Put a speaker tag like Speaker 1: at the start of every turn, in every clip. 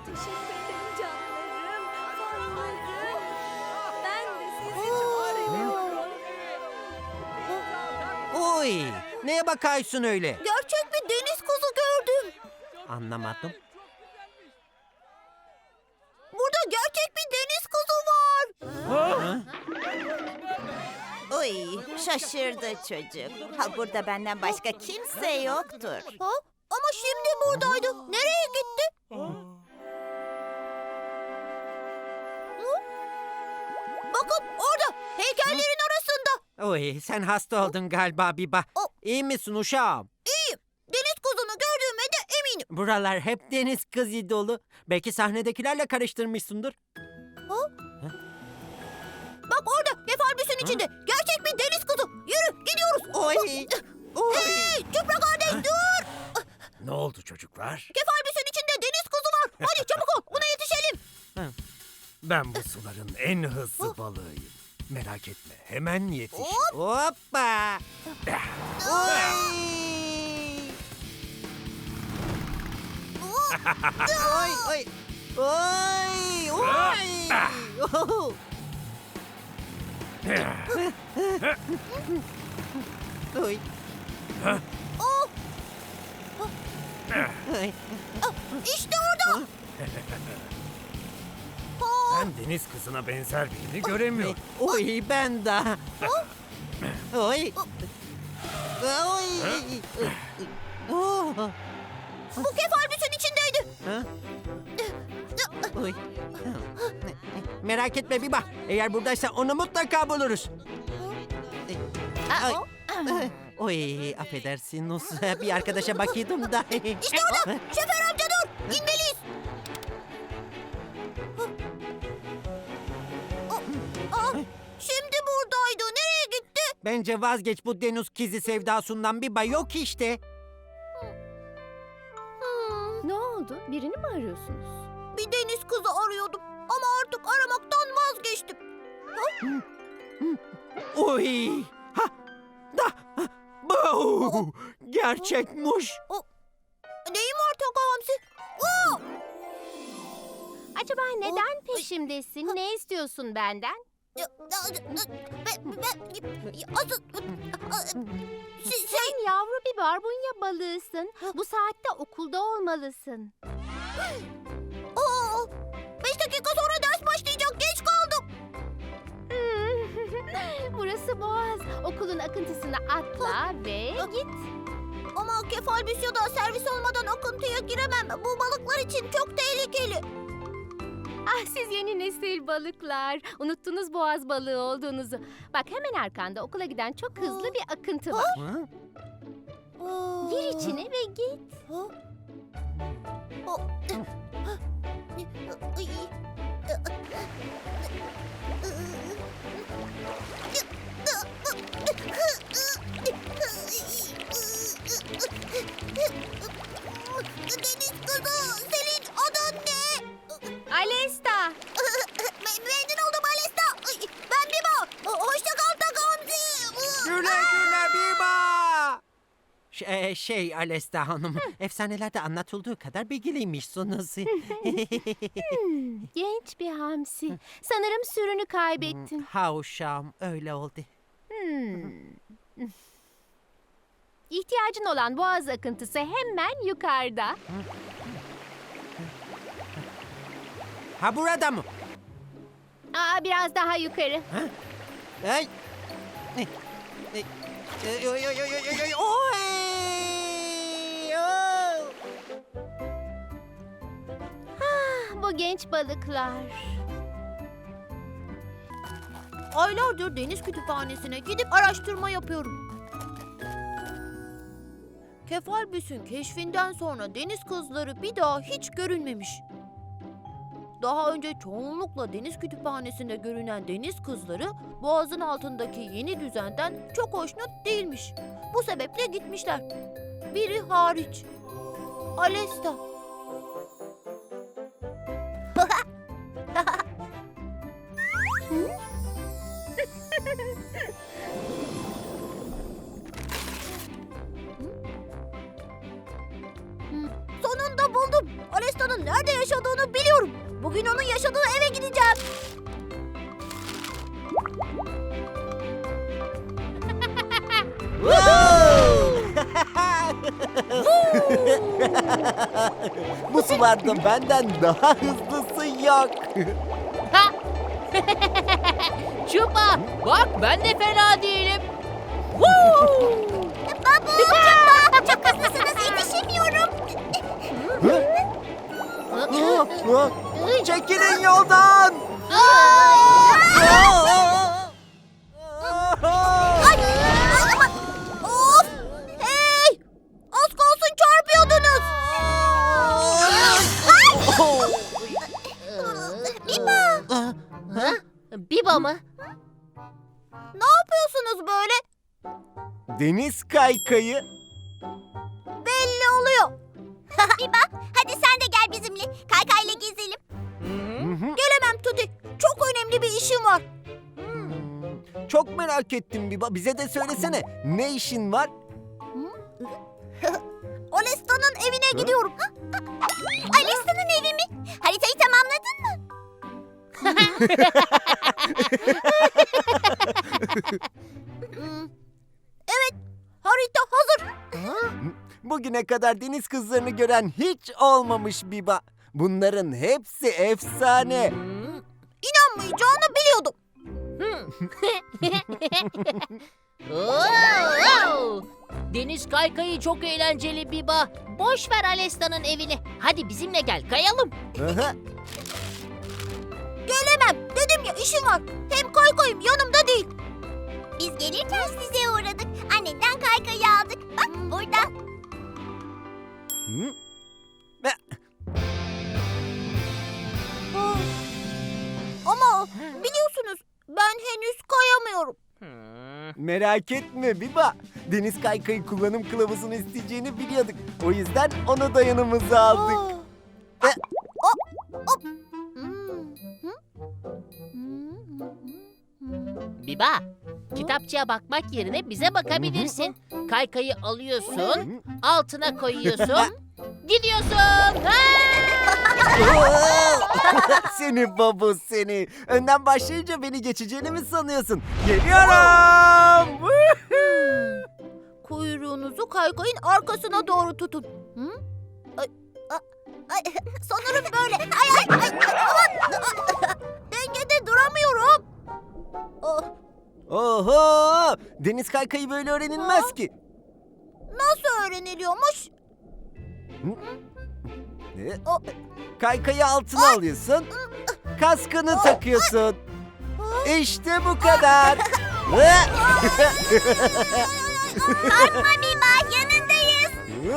Speaker 1: teşekkür ederim canlarım. Fanlarım. Ben de sizi çok seviyorum.
Speaker 2: Oy, neye bakaysın öyle?
Speaker 3: Gerçek bir deniz kızı gördüm.
Speaker 2: Anlamadım.
Speaker 3: Burada gerçek bir deniz kızı var.
Speaker 4: Oy, şaşırdı çocuk. Ha, burada benden başka kimse yoktur.
Speaker 3: Ha? Ama şimdi buradaydı. Nereye gitti? Hı? Bakın orada heykellerin arasında.
Speaker 2: Oy, sen hasta oldun galiba Biba. İyi misin uşağım?
Speaker 3: İyiyim. Deniz kızını gördüğüme de eminim.
Speaker 2: Buralar hep deniz kızı dolu. Belki sahnedekilerle karıştırmışsındır.
Speaker 3: Bak orada kefalbüsün içinde. Gerçek bir deniz kızı. Yürü gidiyoruz.
Speaker 2: Oy, oy.
Speaker 3: Hey Çıpra kardeş dur.
Speaker 5: Ne oldu çocuklar?
Speaker 3: Kefalbüsün içinde deniz kızı var. Hadi çabuk ol buna yetişelim.
Speaker 5: Ben bu suların en hızlı balığıyım. Merak etme, hemen yetiş.
Speaker 2: Hoppa. Oy. Oy, oy. Oy, oy. Oh. Oy.
Speaker 3: Oh,
Speaker 2: Oy.
Speaker 3: işte orada.
Speaker 5: Ben deniz kızına benzer birini göremiyorum.
Speaker 2: Oy, ben de. Oy. Oy. Oh.
Speaker 3: Bu kefalbüsün içindeydi.
Speaker 2: Ha? Oy. Merak etme Biba. Eğer buradaysa onu mutlaka buluruz. Ay. Oy, affedersin Nus. Bir arkadaşa bakıyordum da.
Speaker 3: İşte orada. Şoför amca dur. İnmeliyiz. Şimdi buradaydı. Nereye gitti?
Speaker 2: Bence vazgeç bu deniz kizi sevdasından Biba yok işte.
Speaker 1: Ne oldu? Birini mi arıyorsunuz?
Speaker 3: Bir deniz kızı arıyordum. Ama artık aramaktan vazgeçtim.
Speaker 2: Oy. Ha. Da. Bu. Gerçekmiş.
Speaker 3: Neyim var Taka Hamsi? Oo!
Speaker 1: Acaba neden peşimdesin? Ne istiyorsun benden?
Speaker 3: Asıl...
Speaker 1: Sen yavru bir barbunya balığısın. Bu saatte okulda olmalısın.
Speaker 3: 5 dakika sonra ders başlayacak. Geç kaldım.
Speaker 1: Burası Boğaz. Okulun akıntısına atla ve git.
Speaker 3: Ama kefalbüs ya da servis olmadan akıntıya giremem. Bu balıklar için çok tehlikeli.
Speaker 1: Ah siz yeni nesil balıklar. Unuttunuz boğaz balığı olduğunuzu. Bak hemen arkanda okula giden çok hızlı bir akıntı var.
Speaker 2: Ha?
Speaker 1: Gir içine ve git.
Speaker 3: Deniz kızı, senin adın ne?
Speaker 1: Alesta.
Speaker 3: Memnun oldum Alesta. Ben Biba. Hoşça kal Takamsi.
Speaker 2: Güle güle Biba. Alesta Hanım, efsanelerde anlatıldığı kadar bilgiliymişsiniz.
Speaker 1: Genç bir hamsi. Sanırım sürünü kaybettin.
Speaker 2: Ha uşağım, öyle oldu.
Speaker 1: İhtiyacın olan boğaz akıntısı hemen yukarıda.
Speaker 2: Ha burada mı?
Speaker 1: Biraz daha yukarı.
Speaker 2: Ay. Oy, oy, oy, oy, oy, oy, oy. Oh.
Speaker 1: Bu genç balıklar.
Speaker 3: Aylardır deniz kütüphanesine gidip araştırma yapıyorum. Kefalbüs'ün keşfinden sonra deniz kızları bir daha hiç görünmemiş. Daha önce çoğunlukla deniz kütüphanesinde görünen deniz kızları boğazın altındaki yeni düzenden çok hoşnut değilmiş. Bu sebeple gitmişler. Biri hariç. Alesta. Sonunda buldum. Alesta'nın nerede yaşadığını biliyorum. Bugün onun yaşadığı eve gideceğim.
Speaker 2: Bu sularda benden daha hızlısı yok.
Speaker 1: Çupa, bak ben de fena değilim.
Speaker 3: Çok hızlısınız, yetişemiyorum.
Speaker 2: Çekilin yoldan.
Speaker 3: Aman, of! Hey! Az kalsın çarpıyordunuz. Biba!
Speaker 1: Biba mı?
Speaker 3: Ne yapıyorsunuz böyle?
Speaker 2: Deniz kaykayı.
Speaker 3: Belli oluyor. Biba, hadi sen de gel bizimle. Kaykayla gezelim. Gelemem Tuti. Çok önemli bir işim var.
Speaker 2: Çok merak ettim Biba. Bize de söylesene. Ne işin var?
Speaker 3: Alesta'nın evine gidiyorum. Alesta'nın evi mi? Haritayı tamamladın mı? Evet, harita hazır.
Speaker 2: Bugüne kadar deniz kızlarını gören hiç olmamış Biba. Bunların hepsi efsane.
Speaker 3: İnanmayacağını biliyordum.
Speaker 1: Deniz kaykayı çok eğlenceli Biba. Boş ver Alesta'nın evini. Hadi bizimle gel kayalım.
Speaker 2: Aha.
Speaker 3: Gelemem. Dedim ya, işim var. Hem kaykayım yanımda değil. Biz gelirken size uğradık. Annenden kaykayı aldık. Bak burada.
Speaker 2: Hı?
Speaker 3: Ama biliyorsunuz ben henüz kayamıyorum.
Speaker 2: Merak etme Biba. Deniz kaykayı kullanım kılavuzunu isteyeceğini biliyorduk. O yüzden onu da yanımıza aldık.
Speaker 3: Aa.
Speaker 2: E-
Speaker 3: Hop.
Speaker 1: Biba, kitapçıya bakmak yerine bize bakabilirsin. Kaykayı alıyorsun, altına koyuyorsun, gidiyorsun.
Speaker 2: Seni babu seni. Önden başlayınca beni geçeceğini mi sanıyorsun? Geliyorum.
Speaker 3: Kuyruğunuzu kaykayın arkasına doğru tutun. Hı? Ay, sanırım böyle. Aman. Dengede duramıyorum. Oh,
Speaker 2: Oho! Deniz kaykayı böyle öğrenilmez ki.
Speaker 3: nasıl öğreniliyormuş?
Speaker 2: Kaykayı altına alıyorsun. Kaskını takıyorsun. İşte bu kadar.
Speaker 3: Korkma Biba, yanındayız.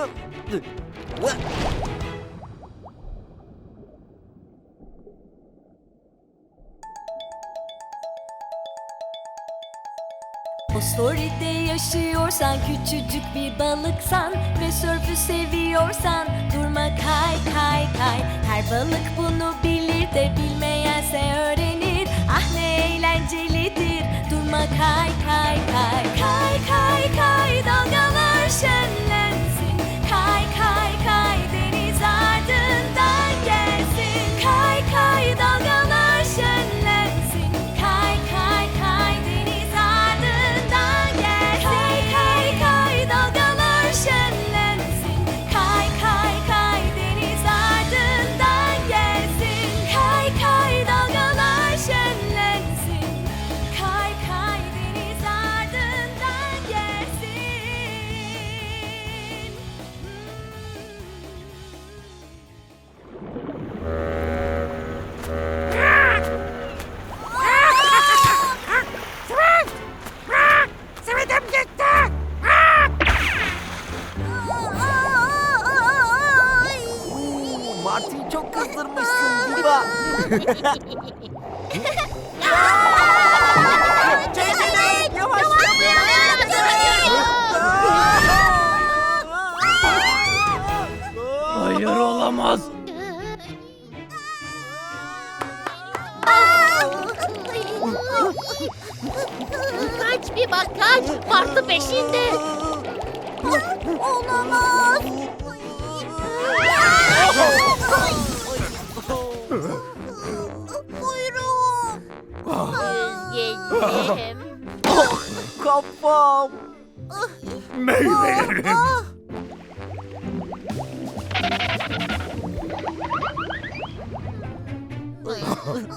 Speaker 6: Fosforite yaşıyorsan küçücük bir balıksan ve sörfü seviyorsan durma kay kay kay. Her balık bunu bilir de bilmeyense öğrenir. Ah ne eğlencelidir. Durma kay kay kay. Kay kay kay dalgalar şenlensin. Kay kay kay deniz ardından gelsin. Kay kay dalgalar şenlensin. Kay kay kay deniz ardından gelsin. Kay kay dalgalar şenlensin. Kay kay kay deniz ardından gelsin. Kay kay dalgalar şenlensin. Kay kay deniz ardından gelsin.
Speaker 2: Martı'yı çok kızdırmışsın Biba. Çekilin, yavaş.
Speaker 5: Hayır olamaz.
Speaker 1: Kaç Biba kaç, Martı peşinde.
Speaker 3: Olamaz.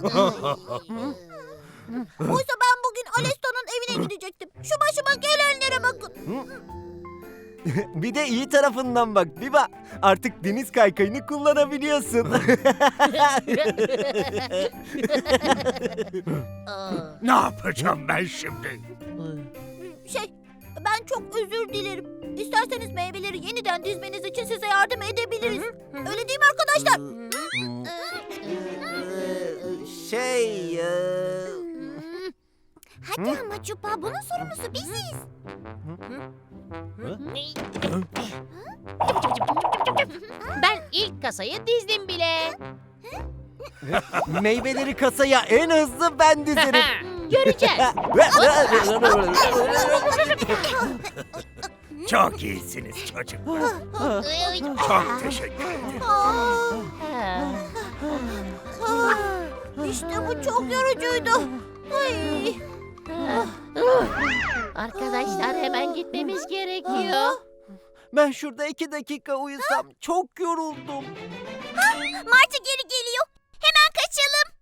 Speaker 3: Oysa ben bugün Alesta'nın evine gidecektim. Şu başıma gelenlere bakın.
Speaker 2: Bir de iyi tarafından bak Biba. Artık deniz kaykayını kullanabiliyorsun.
Speaker 5: Ne yapacağım ben şimdi?
Speaker 3: Ben çok özür dilerim. İsterseniz meyveleri yeniden dizmeniz için size yardım edebiliriz. Öyle değil mi arkadaşlar?
Speaker 2: Şey...
Speaker 3: Hadi ama Cupa, bunun sorumlusu biziz.
Speaker 1: Ben ilk kasayı dizdim bile.
Speaker 2: Meyveleri kasaya en hızlı ben dizerim.
Speaker 1: Göreceğiz.
Speaker 5: Çok iyisiniz çocuklar. Çok teşekkür ederim.
Speaker 3: İşte bu çok yorucuydu. Ay.
Speaker 1: Arkadaşlar hemen gitmemiz gerekiyor.
Speaker 2: Ben şurada 2 dakika uyusam çok yoruldum.
Speaker 3: Martı geri geliyor. Hemen kaçalım.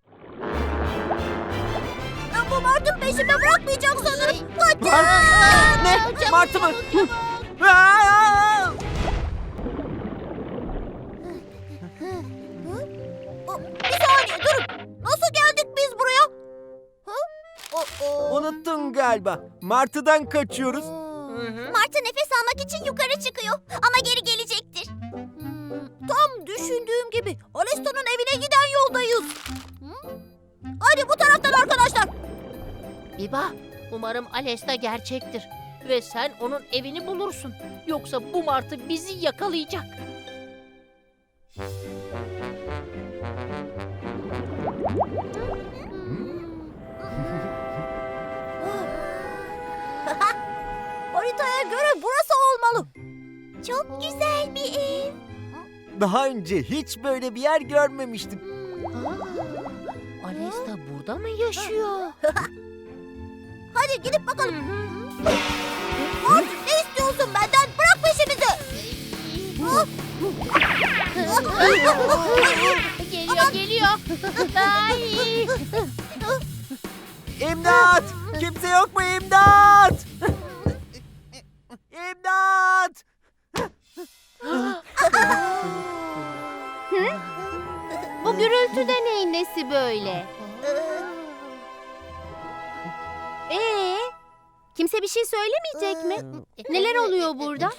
Speaker 3: Bu Martı peşime bırakmayacak sanırım. Hadi.
Speaker 2: Ne? Martı mı? Aa!
Speaker 3: Bir saniye durun. Nasıl geldik biz buraya?
Speaker 2: Unuttun galiba. Martı'dan kaçıyoruz.
Speaker 3: Martı nefes almak için yukarı çıkıyor. Ama geri gelecektir. Tam düşündüğüm gibi. Alesta'nın evine giden yoldayız. Hadi bu taraftan arkadaşlar.
Speaker 1: Biba, umarım Alesta gerçektir. Ve sen onun evini bulursun. Yoksa bu martı bizi yakalayacak.
Speaker 3: Haritaya göre burası olmalı. Çok güzel bir ev.
Speaker 2: Daha önce hiç böyle bir yer görmemiştim.
Speaker 1: Alesta burada mı yaşıyor?
Speaker 3: Hadi gidip bakalım. Martı, ne istiyorsun benden? Bırak peşimizi.
Speaker 1: Geliyor. Ay.
Speaker 2: İmdat! Kimse yok mu imdat? İmdat!
Speaker 1: Bu gürültü de neyin nesi böyle? Kimse bir şey söylemeyecek mi? Neler oluyor burada?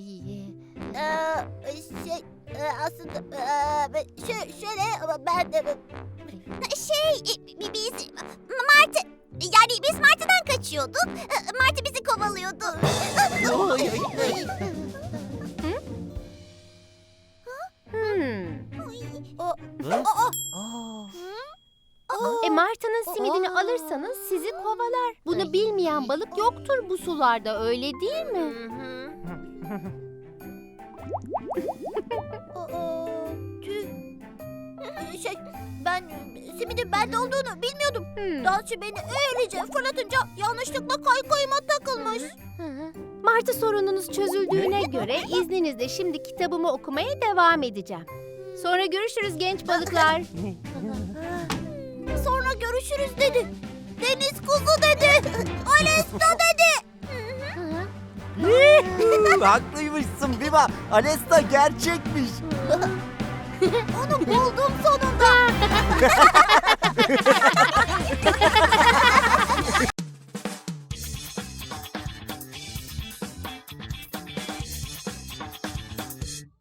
Speaker 3: Aslında şöyle ben biz Martı, yani biz Martı'dan kaçıyorduk. Martı bizi kovalıyordu.
Speaker 1: Martı'nın simidini alırsanız sizi kovalar. Bunu bilmeyen balık yoktur bu sularda, öyle değil mi?
Speaker 3: Ben simidin bende olduğunu bilmiyordum. Dansçı beni öylece fırlatınca yanlışlıkla kaykayıma takılmış.
Speaker 1: Martı sorununuz çözüldüğüne göre izninizle şimdi kitabımı okumaya devam edeceğim. Sonra görüşürüz genç balıklar.
Speaker 3: Sonra görüşürüz dedi. Deniz kuzu dedi. Alesta dedi.
Speaker 2: Haklıymışsın Biba. Alesta gerçekmiş.
Speaker 3: Onu buldum sonunda.